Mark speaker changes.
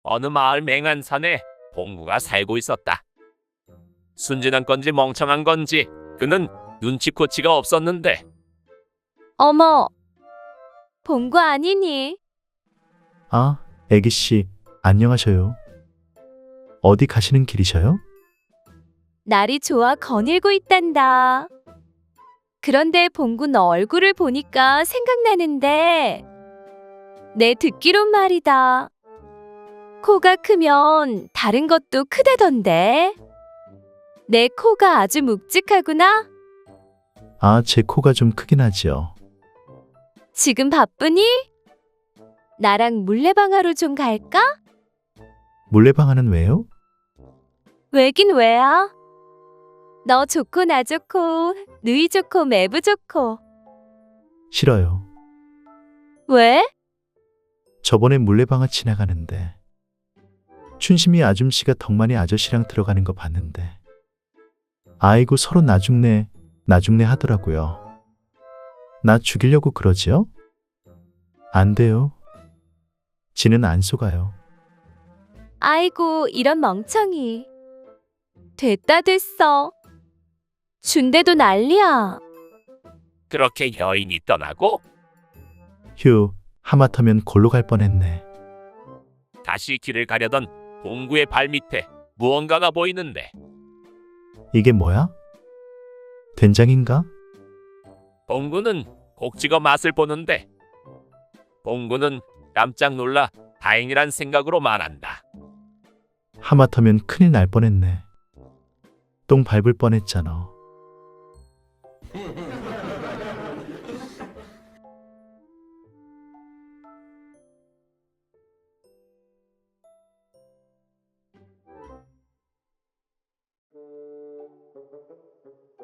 Speaker 1: 어느 마을 맹한산에 봉구가 살고 있었다. 순진한 건지 멍청한 건지 그는 눈치코치가 없었는데
Speaker 2: 어머, 봉구 아니니?
Speaker 3: 아, 애기씨, 안녕하셔요. 어디 가시는 길이셔요?
Speaker 2: 날이 좋아 거닐고 있단다. 그런데 봉구 너 얼굴을 보니까 생각나는데 내 듣기론 말이다. 코가 크면 다른 것도 크다던데. 내 코가 아주 묵직하구나.
Speaker 3: 아, 제 코가 좀 크긴 하지요.
Speaker 2: 지금 바쁘니? 나랑 물레방아로 좀 갈까?
Speaker 3: 물레방아는 왜요?
Speaker 2: 왜긴 왜야? 너 좋고 나 좋고 누이 좋고 매부 좋고.
Speaker 3: 싫어요.
Speaker 2: 왜?
Speaker 3: 저번에 물레방아 지나가는데 춘심이 아줌씨가 덕만이 아저씨랑 들어가는 거 봤는데 아이고 서로 나중네 하더라고요. 나 죽이려고 그러지요? 안 돼요. 지는 안 속아요.
Speaker 2: 아이고 이런 멍청이. 됐다 됐어. 준대도 난리야.
Speaker 1: 그렇게 여인이 떠나고
Speaker 3: 휴, 하마터면 골로 갈 뻔했네.
Speaker 1: 다시 길을 가려던 봉구의 발밑에 무언가가 보이는데
Speaker 3: 이게 뭐야? 된장인가?
Speaker 1: 봉구는 곡 찍어 맛을 보는데 봉구는 깜짝 놀라 다행이란 생각으로 말한다.
Speaker 3: 하마터면 큰일 날 뻔했네. 똥 밟을 뻔했잖아.